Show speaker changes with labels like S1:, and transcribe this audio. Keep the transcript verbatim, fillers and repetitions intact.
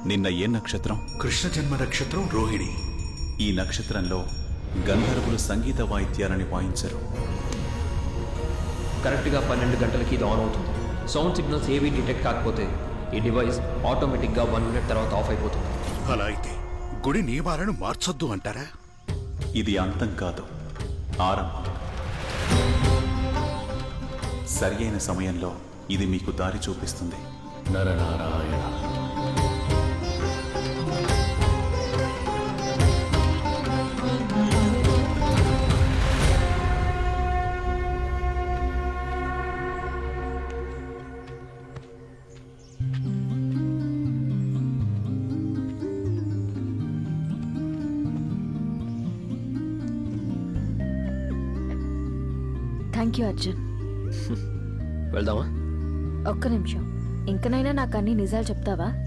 S1: నిన్న ఏ నక్షత్రం?
S2: కృష్ణ జన్మ నక్షత్రం రోహిణి.
S1: ఈ నక్షత్రంలో గంధర్వులు సంగీత వాయిద్యాలని వాయించరు.
S3: కరెక్ట్గా పన్నెండు గంటలకి ఇది ఆన్ అవుతుంది. సౌండ్ సిగ్నల్స్ ఏవి డిటెక్ట్ కాకపోతే ఈ డివైస్ ఆటోమేటిక్గా వన్ మినిట్ తర్వాత ఆఫ్ అయిపోతుంది.
S2: అలా అయితే గుడి నియమాలను మార్చొద్దు అంటారా?
S1: ఇది అంతం కాదు, ఆరంభం. సరి అయిన సమయంలో ఇది మీకు దారి చూపిస్తుంది.
S4: నరనారాయణ.
S5: Thank you Arjun.
S3: వెళ్దామా?
S5: ఒక్క నిమిషం, ఇంకనైనా నాకు అన్ని నిజాలు చెప్తావా?